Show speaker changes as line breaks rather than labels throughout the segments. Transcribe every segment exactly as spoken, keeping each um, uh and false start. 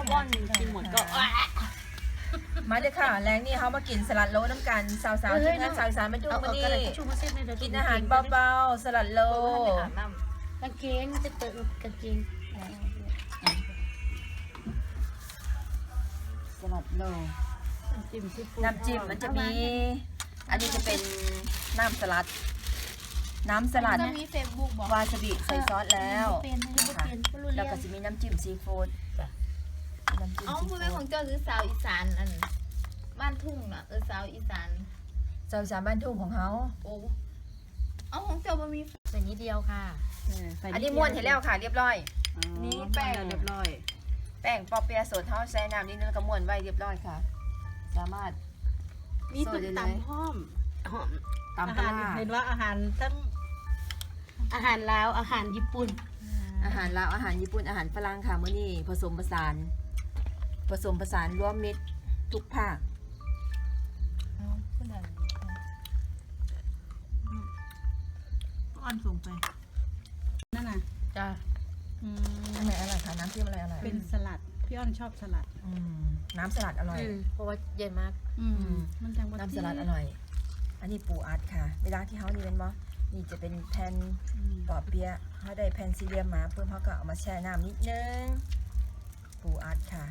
ป้อนกินหมดก็
มาเลยค่ะแรงนี่เขามากินสลัดโลน้ำกันสาวๆที่งานสาวสารมาดูมานี่กินอาหารเบาๆสลัดโล
กางเกงจะเติมกางเกง
สลัดโลน้ำจิ้มน้ำจิ้มมันจะมีอันนี้จะเป็นน้ำสลัดน้ำสลัดวาซาบิใส่ซอสแล้วนะคะแล้วก็จะมีน้ำจิ้มซีฟู้ด
อ๋อพูดเป็นของเจ้าหรือสาวอีสานอันบ้านทุ่งน่ะเออสาวอีสาน
สาวอีสานบ้านทุ่งของเขา
โอ้เอาของเจ้าบะมี
ใส่นิดเดียวค่ะ
อันนี้ม้วนเห็นแล้วค่ะเรียบร้อย
นี่แป้ง
เรียบร้อย
แป้งปอเปียะสดเท่าใส่น้ำนิดนึงก็ม้วนไว้เรียบร้อยค่ะสามารถ
มีตุ่มตำหอมหอม
ตำปลา
เห็นว่าอาหารทั้งอาหารลาวอาหารญี่ปุ่น
อาหารลาวอาหารญี่ปุ่นอาหารฝรั่งค่ะมื้อนี้ผสมผสานผสมผสานรวมมิตรทุกภาค
อ่อนสูงไป
นั่นน่ะ
จ้าอะไรอะไรคะน้ำจิ้มอะไรอะไร
เป็นสลัดพี่อ้อนชอบสลัด
น้ำสลัดอร่อย
เพราะว่าเย็นมาก
มันจังว่า
น้ำสลัดอร่อยอันนี้ปูอัดค่ะเวลาที่เขานี่เป็นบ่นี่จะเป็นแผ่นปอเปี๊ยะเขาได้แผ่นสี่เหลี่ยมมาเพิ่มเขาก็เอามาแช่น้ำนิดนึงปูอัดค่ะ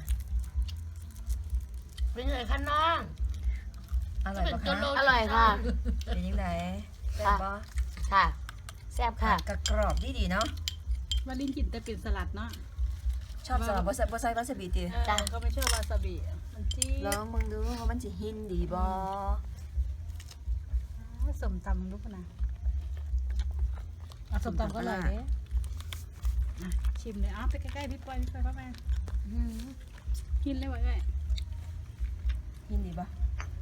เป็นไงคะน้อง
อร่อยปะคะ
อร่อยค่ะ
เป็นยังไงแซ่บปะ
ค่ะแซ่บค่ะ
กรอบดีดีเนาะ
ว่าลิ้นกินแต่เป็นสลัดเนาะ
ชอบสลัดบะไซบะไซวาซาบิตี
จ้าก็ไม่ชอบวาซาบิมันจี้
ลองมึงดูว่ามันจะหินดีบอ
สมตำลูกนะสมตำก็อร่อยเลยชิมเลยอ้าวไปใกล้ๆพี่ปอยพี่ปอยเข้ามาหินเลยไว้
หินดีปะ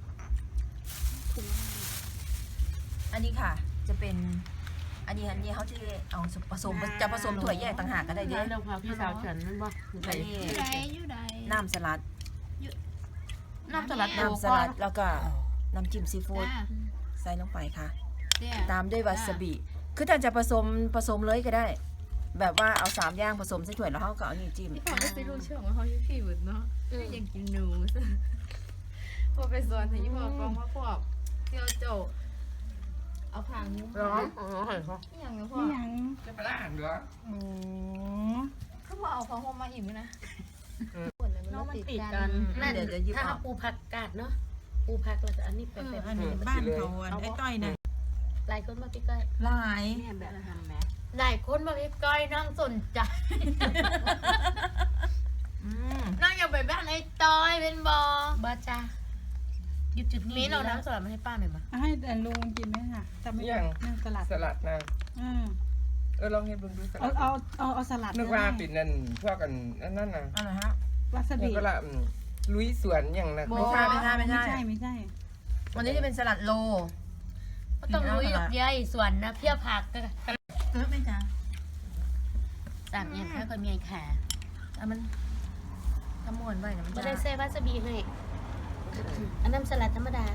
อันนี้ค่ะจะเป็นอันนี้อันนี้เขาจะเอาผสมจะผสมถั่วแยกต่างหากก็ได้เด้
เราพาพี่สาวฉันนั่นบ่
ใส่น้ำสลัด
น้ำสลัด
น้ำสลัดแล้วก็น้ำจิ้มซีฟู้ดใส่ลงไปค่ะตามด้วยวาซาบิคือถ้าจะผสมผสมเลยก็ได้ แบบว่าเอาสามอย่างผสมใส่ถ้วยแล้วเขาก็เอานี่จิ้ม
พี่พอได้ไปรู้เชื่อว่าเขาอยู่ที่อื่นเนาะยังกินหนูพอไปสอนถึงยี่ห้อกองมาพวกเที่ยวโจเอาผางยุ้ม
ร้อนอ๋อเห็นเขา
อย่างเงี้ยพ่อ
ยัง
จะไปล่างเหรอ
อื
มเขาบอกเอาของผมมาอิ่มนะ
น้องมันติดกัน
เดี๋ยวจะยิบ
ถ้าปูผักกาดเนาะปูผักเราจะอันนี้เป็นแบบ
อันนี้บ้านเขาไอ้ต้อยนะ
หลายคนมาพี่ก้อย
หลาย
แบบทำไหมหลายคนมาพี่ก้อยนั่งสนใจนั่งอย่าไปบ้านไอ้ต้อยเป็นบอบ้าจ้าหยุดจุดนี้เราน้ำสลัดมาให้ป้าหน่อยมา
ให้แต่ลุงกินไหมค่ะแต่ไม่ได้นั่งสลัด
สลัดนะ
อืม
เออลองให้บุญดูสลัด
เอาเอาเอาสลัด
นึกว่าปิดนั่นพวกกันนั่นน่ะ
อะไรฮะ
วาซาบิ
ก็ละลุยสวนอย่างนั้น
ไม่ใช่ไม่ใช่ไม่ใช่
ไม่ใช่ไม่ใช่
วันนี้จะเป็นสลัดโล
ต้องลุยหยกใหญ่สวนนะเพี้ยผักก็
เออไม่จ้า
สามอย่างแค่คนมีแขก
อ่ะมันทำม้วนไว้นะมัน
ไม่ได้เซวาซาบิเลยอันน้ำสลัดธรรมดา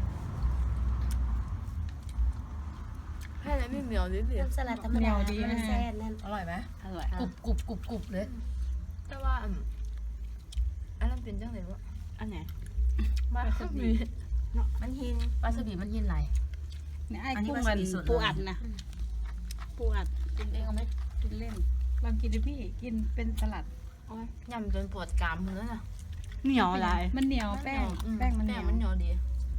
แค่นั้นไม่เหนียวนิดเดียว
น้ำสลัดธรรมดาไม่แซ่บนั่น
อร่อยไหม
อร่อยกรุบกรุบกรุบกรุบเลย
แต่ว่าอันนั้นเป็นจังไหนวะ
อันไหน
วาซาบิ
มันหิน
วาซาบิมันหินไหล
เนี่ยไอ้กุ้งมันปูอัดนะปูอัด
กินเองเอาไหม
กินเล่นลองกินดิพี่กินเป็นสลัด
ยำจนปวดกรามเลยนะ
เหนียวอะไรมันเหนียวแป้งแป้งมันเหนียว
มันเหนียวดี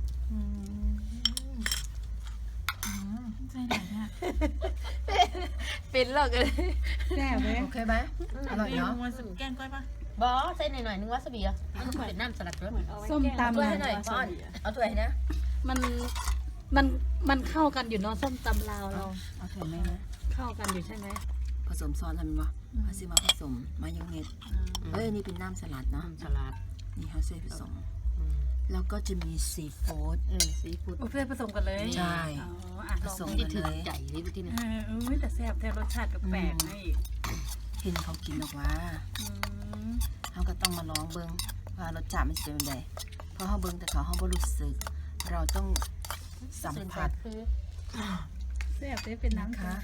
ใช่ไหมเนี่ย
เป็นหรอกเลย
แซ่บเลย
โอเคไหมอร่อยเนาะ
แกงก้อยปะ
บอใส่หน่อยหน่อยนึงวาซาบิอ่ะมันเป็นน้ำสลัดด้วย
ส้มตำ
ให้หน่อยก่อนเอาถ้วยให้นะ
มันมันมันเข้ากันอยู่เนาะส้มตำลาวเรา
เอาถ้วยไหมนะ
เข้ากันอยู่ใช่ไหม
ผสมซอสทำมั้ยเขาซื้อมาผสมมายองเนสเอ้ยนี่เป็นน้ำสลัดเนาะ
สลัด
นี่เขาซื้อผสมแล้วก็จะมีซีฟู้ด
เออซีฟู้ด
โอเคผสมกันเลย
ใช่
ผสมกันเลยใหญ่เลยที่นี่
เออแต่แซ่บแต่รสชาติแปลกๆให้
เห็นเขากินหรอกว่าเขาก็ต้องมาลองเบิ้งว่ารสชาติมันจะเป็นยังไงเพราะเขาเบิ้งแต่เขาเขาไม่รู้สึกเราต้องสัมผัส
แซ่บได้เป็นน้ำ
ค่ะ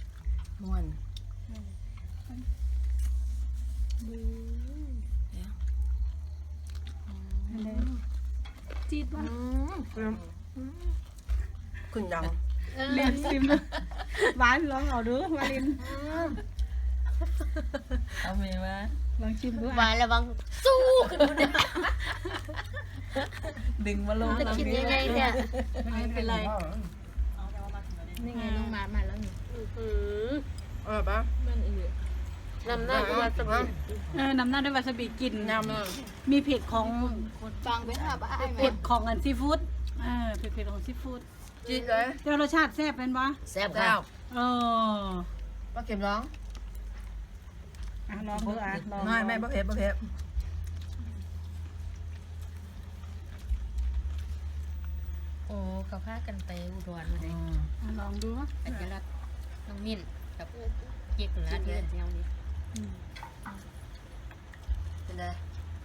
ม้วน
จีดวะ
คุณยัง
เรียนซิมหวานลองเอาดูวาลิน
เอาเมย์มา
ลองชิมดู
มา
อ่ะ
ระวังสู้ขึ้นดูเนี่ย
ดึงมาลง
จะคิดยังไงเนี่ย
ไม่เป็นไร
นี่ไงน้องมามาแล้วนี่
เออปะ
มันอีก
นำหน้ามาสบิ
เออนำหน้าด้วยวาซาบิกลิน
ยำ
มีเผ็ดของ
ฟังไปหาบ้านไหม
เผ็ดของอันซีฟู้ดเออเผ็ดเผ็ดของซีฟู้ด
จีดเลย
เดี๋ยวรสชาติแซ่บเป็นปะ
แซ่บ
แล้
ค่ะ
ว
เออ
ป้าเข็มร้อง
อ่ะลองดูอ่ะลอง
ไม่ไม่ป้าเพชรป้าเพชร
โอ้เขาพากันไปอุดรเลย
อ่ะลองดู
อัญรัตน์น้องมิ้นกับเจ๊กนะเดือนเดียวนี้
อืม
เป็นไง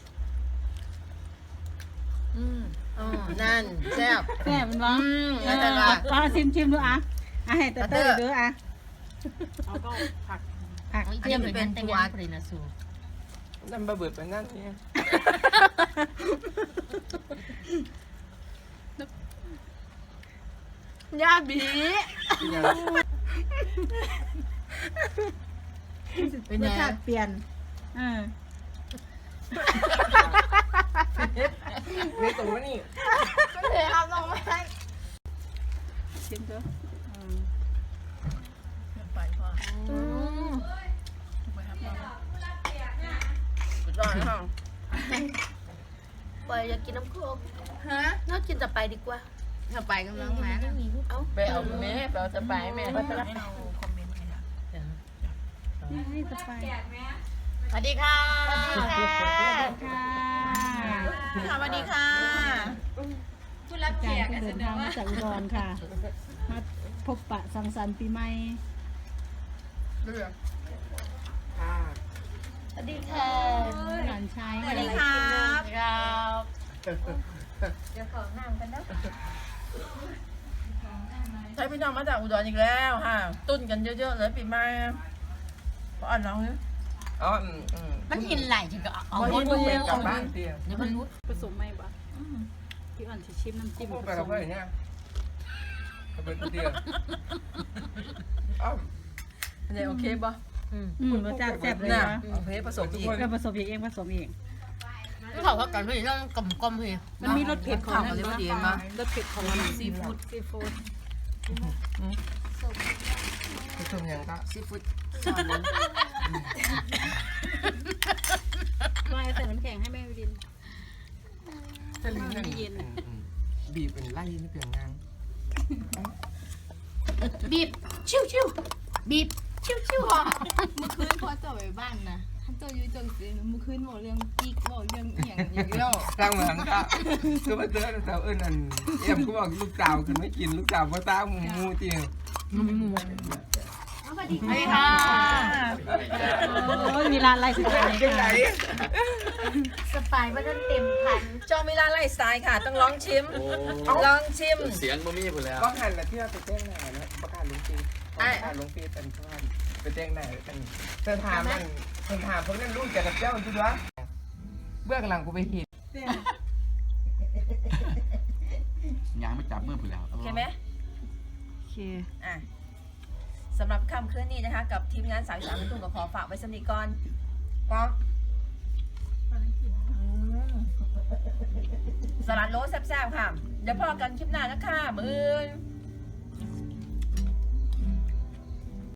อืมอ๋อนั่นแซ่บ
แซ่บเป็นปะ
อืม
เอ
แล้ว
อ
แต่ละ
ลองชิมชิมดูอ่ะอ่ะให้เต้เต้ดูอ่ะเอาก็ผักผัก
เทียมเป็นแต่งงานพอดีนะสู
นั่นบะเบิดไปนั่นเนี่ย
ยาบี
ยัง
เป็น
ร
ไง
สชาติเปลี่ยนเออ
นี่ตรงนี้
ก็เลยเอาลงมาให้
ชิมดูอืม
ไปพ่อ
อืม
สุดยอดค่ะ
ไปอยากกินน้ำโคก
ฮะ
น่ากินแต่ไปดีกว่า
เธอไปกำลังมานะ
เอ้า
ไปเอาแม่ไปเอาสไปแม่
ป้าจะให้เราคอมเมนต์ให้นะ
นี่ให้สไปร์
สวัสดีค่ะ
ค่ะ
ค่ะสวัสดีค่ะ
ผู้รับ
อา
แข
จาร
ก
ย์ก็เดินทางมาจากอุดรค่ะ มาพบปะสังสรรค์ปีใหม่
ค่ะ
สวัสดีค่ะ
หลานชาย
สวัสดีครับ
ครับ
ใช้พี่น้องมาจากอุดรอีกแล้วค่ะ ตุ้นกันเยอะๆเลยปีใหม่เพราะอ่านน้องเนี่ย
อ๋ออืมอืม
มันหินไหลถึงก็เอา
เอา
หมด
หมด
ไปกลับบ้านเตี้ย
เดี๋ยวมันรู้
ผสมไหมบ้าพี่อ่อนจะชิมน้ำจิ้ม
พูด
ผ
ไป
ส
กับ
ม
เพื่อนเนี่ยกับเพื่อนเตี้ยอ้าว
อันนี้โอเคป่ะ
อืม
อืมรสชาติแซ่บเลย
น่ะ
นะ
โอเคผสมอีก
เราผสมเองผสมเอง
นี่เขาพักกันพี่ต้องกลมกลมพี่
มันมีรสเผ็ดของ
ข่าวเลยว่าดีมั้ย
รสเผ็ดของซีฟู้ดซีฟู้ด
ผสมยังก็
ซีฟู้ด
ไม่ใส่น้ำแข็งให้แม่วิดิน
สลิงนั่นอืมอืมบีบเป็นไล่นี่เพียงงาน
บีบชิวชิวบีบชิวชิว
เมื่อคืนพอเจ้าไปบ้านนะท่านเจ้าอยู่จังสิเมื่อคืนบอกเรื่องกิ๊กบอกเรื่องอหย่างอย่างเดียว
สร้างเหมือนก็คือมาเจอสาวเอิญอันเอ็มก็บอกลูกสาวคือไม่กินลูกสาวเพราะตาหมูมูเตี้ย
สวัสดีค่ะ
โอ้ยมีร้านอะไรสุดท้าย
เป็นไร
ค่ะ
สปายว่าท่านเต็มพัน
จอมิลาไลฟ์สไตล์ค่ะ ต้องลองชิม ลองชิม
เสียงบ่มีพุ่นแล้ว
ก็หันละที่เราไปแจ้งหน้านะประกาศลงฟีประกาศลงฟีเป็นท่านไปแจ้งหน้ากันเธอถามมันเธอถามพวกนั้นรู้จักกับเจ้าจุดวะเบื้องหลังกูไปเห็น
ยางไม่จับมือพุ่นแล้ว
โอเคไหม
โอเค
อ่ะสำหรับค่ำคืนนี้นะคะ กับทีมงานสายสามทุ่งกับขอฝากไว้สำนีก่อนพร้อมอืมสลัดโลแซ่บๆค่ะ เดี๋ยวพอกันคลิปหน้านะคะมืออื่น